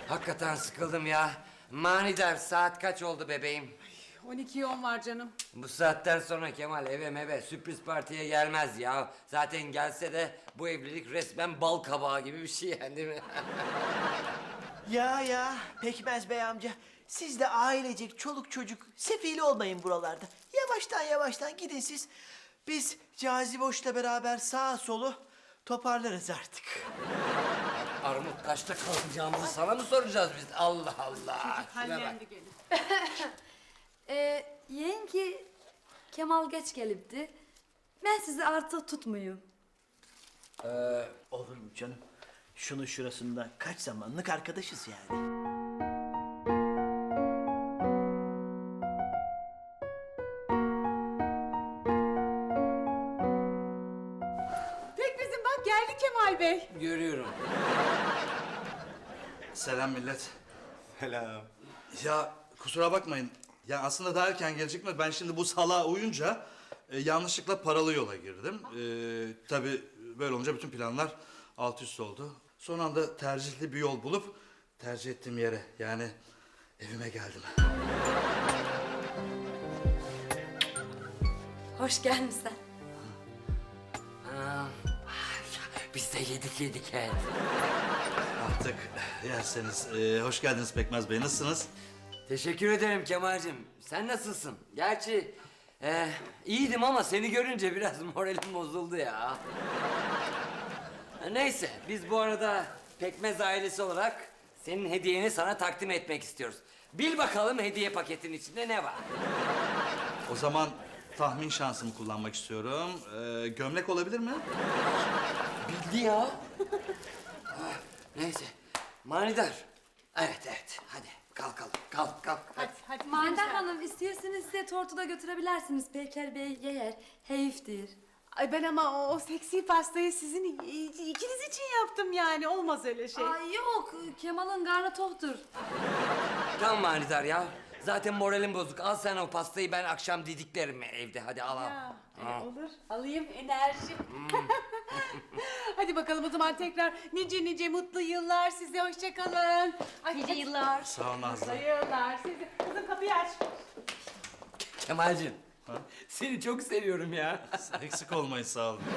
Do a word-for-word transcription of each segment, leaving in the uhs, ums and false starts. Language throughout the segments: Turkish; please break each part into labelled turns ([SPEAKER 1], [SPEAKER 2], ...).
[SPEAKER 1] Hakikaten sıkıldım ya. Manidar, saat kaç oldu bebeğim?
[SPEAKER 2] on ikiye on var canım.
[SPEAKER 1] Bu saatten sonra Kemal eve meve sürpriz partiye gelmez ya. Zaten gelse de bu evlilik resmen bal kabağı gibi bir şey yani, değil mi?
[SPEAKER 3] Ya ya Pekmez Bey amca. Siz de ailecek çoluk çocuk sefil olmayın buralarda. Yavaştan yavaştan gidin siz. Biz Caziboş'la beraber sağa solu toparlarız artık.
[SPEAKER 1] Armut kaçta kalkacağımızı sana mı soracağız biz? Allah Allah. Şuna bak.
[SPEAKER 2] Hallendi gelin.
[SPEAKER 4] Ee, yenge Kemal geç gelipti. Ben sizi artık tutmuyum.
[SPEAKER 3] Olur mu canım? Şunun şurasında kaç zamanlık arkadaşız yani.
[SPEAKER 2] Pekmez'im bak geldi Kemal Bey.
[SPEAKER 1] Görüyorum.
[SPEAKER 5] Selam millet.
[SPEAKER 6] Selam.
[SPEAKER 5] Ya kusura bakmayın. Ya aslında daha erken gelecektim. Ben şimdi bu salağa uyunca e, yanlışlıkla paralı yola girdim. E, tabii böyle olunca bütün planlar alt üst oldu. Son anda tercihli bir yol bulup tercih ettiğim yere yani evime geldim.
[SPEAKER 4] Hoş gelmişsin.
[SPEAKER 1] Ha, biz de yedik yedik he.
[SPEAKER 5] Artık yerseniz. E, hoş geldiniz Pekmez Bey. Nasılsınız?
[SPEAKER 1] Teşekkür ederim Kemal'cim. Sen nasılsın? Gerçi e, iyiydim ama seni görünce biraz moralim bozuldu ya. Neyse, biz bu arada Pekmez ailesi olarak senin hediyeni sana takdim etmek istiyoruz. Bil bakalım hediye paketin içinde ne var?
[SPEAKER 5] O zaman tahmin şansımı kullanmak istiyorum. E, gömlek olabilir mi?
[SPEAKER 1] Bildi ya. Ah, neyse, manidar. Evet evet, hadi kalkalım. Kalk kalk.
[SPEAKER 2] Hadi hadi.
[SPEAKER 4] Mandar Hanım istiyorsanız size tortu da götürebilirsiniz. Peker Bey yer. Heyiftir.
[SPEAKER 2] Ay ben ama o, o seksi pastayı sizin i- ikiniz için yaptım yani. Olmaz öyle şey.
[SPEAKER 4] Ay yok Kemal'ın karnı toktur.
[SPEAKER 1] Tamam manidar ya. Zaten moralim bozuk. Al sen o pastayı, ben akşam didiklerim evde. Hadi al al.
[SPEAKER 2] Ya, e,
[SPEAKER 1] Al.
[SPEAKER 2] olur. Alayım enerji. Hadi bakalım o zaman tekrar nice nice mutlu yıllar size. Hoşça kalın. Nice yıllar.
[SPEAKER 5] Sağ ol Nazlı.
[SPEAKER 2] Mutlu yıllar size. Kızım kapıyı aç.
[SPEAKER 1] Kemal'cim. Seni çok seviyorum ya.
[SPEAKER 5] Eksik olmayın, sağ olun.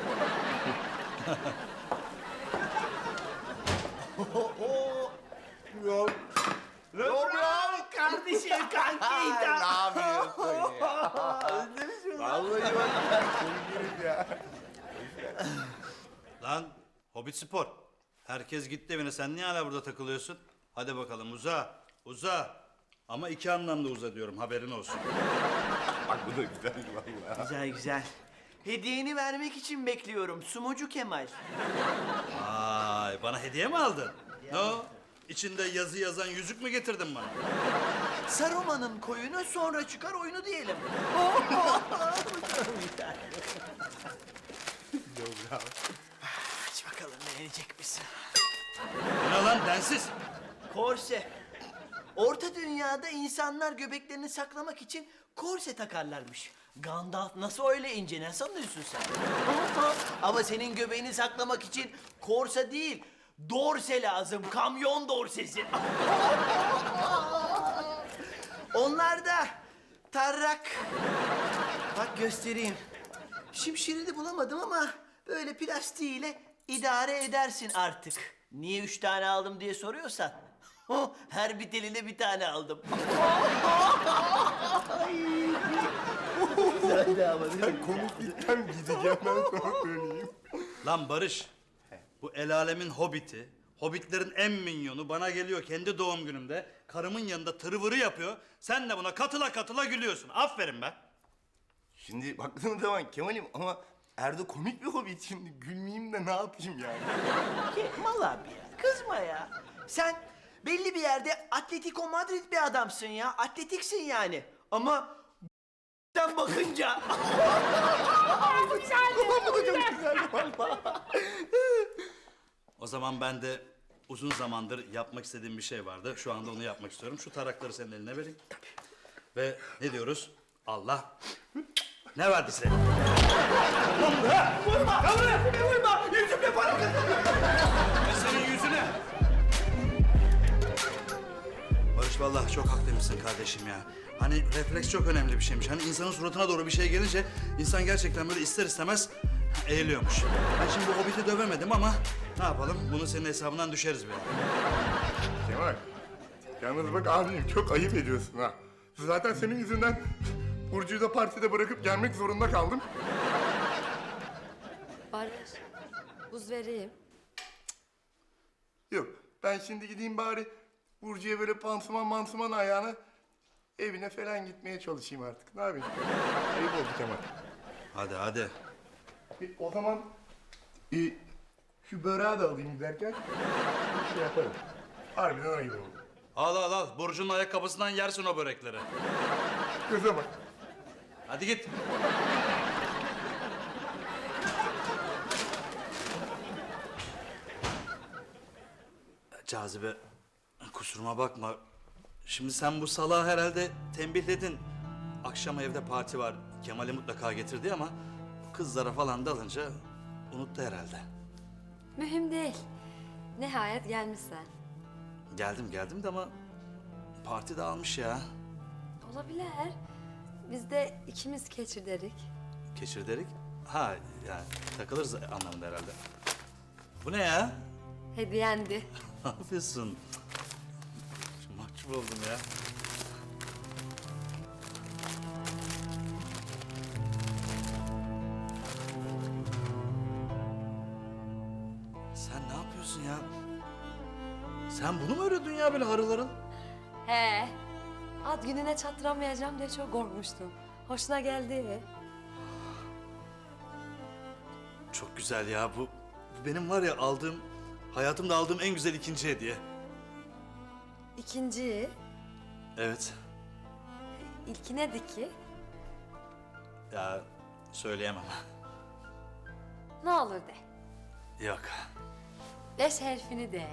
[SPEAKER 6] Yok. Yok ya.
[SPEAKER 3] Kardeşim kankaydı.
[SPEAKER 6] Ne yapıyorsun ya? Özlemişim. Vallahi bak. Sevgilim ya.
[SPEAKER 5] Lan Hobbit Spor. Herkes gitti evine. Sen niye hala burada takılıyorsun? Hadi bakalım uza. Uza. Ama iki anlamda uza diyorum. Haberin olsun.
[SPEAKER 6] Bak bu da güzel vallahi.
[SPEAKER 3] Güzel güzel. Hediyeni vermek için bekliyorum Sumucu Kemal.
[SPEAKER 5] Ay, bana hediye mi aldın? Ne o? İçinde yazı yazan yüzük mü getirdin bana?
[SPEAKER 3] Saruman'ın koyunu sonra çıkar oyunu diyelim. Aç bakalım beğenecek misin?
[SPEAKER 5] Bu ne lan densiz?
[SPEAKER 3] Korse. Orta dünyada insanlar göbeklerini saklamak için korse takarlarmış. Gandalf nasıl öyle ince, ne sanıyorsun sen? Ama senin göbeğini saklamak için korse değil, dorse lazım, kamyon dorsesi. Onlar da tarrak. Bak göstereyim. Şimşirini bulamadım ama böyle plastiğiyle idare edersin artık. Niye üç tane aldım diye soruyorsan. Her bir teline bir tane aldım.
[SPEAKER 6] Komiklikten gideceğim ben sana söyleyeyim.
[SPEAKER 5] Lan Barış. Bu el alemin hobbiti, hobbitlerin en minyonu bana geliyor kendi doğum günümde. Karımın yanında tırvırı yapıyor. Sen de buna katıla katıla gülüyorsun. Aferin be.
[SPEAKER 6] Şimdi baktığın zaman Kemal'im ama Erdo komik bir hobbit, şimdi gülmeyeyim de ne yapayım yani?
[SPEAKER 3] Kemal abi ya, kızma ya. Sen belli bir yerde Atletico Madrid bir adamsın ya. Atletiksin yani. Ama sen bakınca...
[SPEAKER 5] O zaman ben de uzun zamandır yapmak istediğim bir şey vardı. Şu anda onu yapmak istiyorum. Şu tarakları senin eline vereyim. Ve ne diyoruz? Allah ne verdi size?
[SPEAKER 3] Vurma! Vurma! Yüzümle para kazanıyorum.
[SPEAKER 5] Ve senin yüzüne vallahi çok haklıymışsın kardeşim ya. Hani refleks çok önemli bir şeymiş. Hani insanın suratına doğru bir şey gelince insan gerçekten böyle ister istemez eğiliyormuş. Ben şimdi bu Hobbit'i dövemedim ama ne yapalım? Bunu senin hesabından düşeriz be.
[SPEAKER 6] Kemal, yalnız bak abim çok ayıp ediyorsun ha. Zaten senin yüzünden Burcu'yu da partide bırakıp gelmek zorunda kaldım.
[SPEAKER 4] Barış, buz vereyim.
[SPEAKER 6] Yok, ben şimdi gideyim bari Burcu'ya böyle pansuman mansuman ayağına evine falan gitmeye çalışayım artık. Ne yapayım? Ayıp oldu Kemal.
[SPEAKER 5] Hadi hadi.
[SPEAKER 6] E, o zaman e, şu böreği de alayım giderken bir şey yaparım. Harbiden ayıp oldu.
[SPEAKER 5] Al al al. Burcu'nun ayakkabısından yersin o börekleri.
[SPEAKER 6] Göze bak.
[SPEAKER 5] Hadi git. Cazibe, kusuruma bakma. Şimdi sen bu salağı herhalde tembihledin. Akşam evde parti var. Kemal'i mutlaka getirdi ama kızlara falan dalınca unuttu herhalde.
[SPEAKER 4] Mühim değil. Nihayet gelmişsen.
[SPEAKER 5] Geldim geldim de ama parti dağılmış ya.
[SPEAKER 4] Olabilir. Biz de ikimiz keçirderik.
[SPEAKER 5] Keçir derik. Ha yani takılırız anlamında herhalde. Bu ne ya?
[SPEAKER 4] Hediyendi.
[SPEAKER 5] Ne yapıyorsun? Mahcup oldum ya. Sen ne yapıyorsun ya? Sen bunu mu öğrendin ya böyle harıl harıl?
[SPEAKER 4] He. Ad gününe çattıramayacağım diye çok korkmuştum. Hoşuna geldi.
[SPEAKER 5] Çok güzel ya bu. Bu benim var ya aldığım, hayatımda aldığım en güzel ikinci hediye.
[SPEAKER 4] İkinci,
[SPEAKER 5] Evet.
[SPEAKER 4] ilki nedir ki?
[SPEAKER 5] Ya söyleyemem.
[SPEAKER 4] Ne olur de.
[SPEAKER 5] Yok.
[SPEAKER 4] Beş harfini de.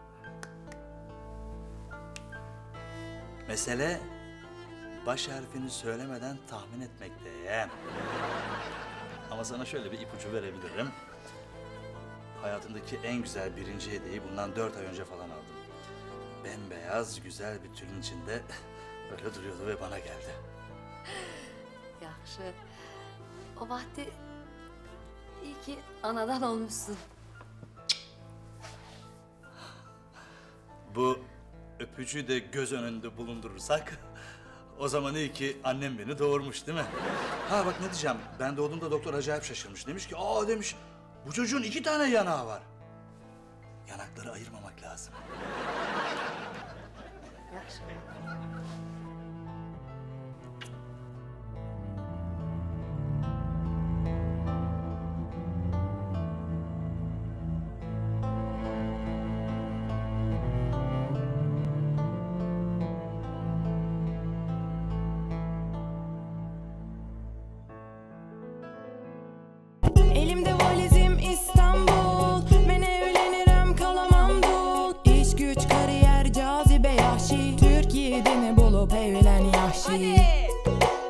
[SPEAKER 5] Mesele baş harfini söylemeden tahmin etmekte. Ama sana şöyle bir ipucu verebilirim. Hayatımdaki en güzel birinci hediyeyi bundan dört ay önce falan aldım. Bembeyaz güzel bir tülün içinde böyle duruyordu ve bana geldi.
[SPEAKER 4] Yaxşı. O vakti iyi ki anadan olmuşsun.
[SPEAKER 5] Bu öpücüğü de göz önünde bulundurursak o zaman iyi ki annem beni doğurmuş değil mi? Ha bak ne diyeceğim, ben doğduğumda doktor acayip şaşırmış. Demiş ki aa demiş bu çocuğun iki tane yanağı var. Yanakları ayırmamak lazım.
[SPEAKER 4] Yaxşı.
[SPEAKER 7] Elimde valizim İstanbul. Ben evlenirim kalamam dul. İş güç kariyer cazibe yahşi. Türkiye'de ne bulup evlen yahşi.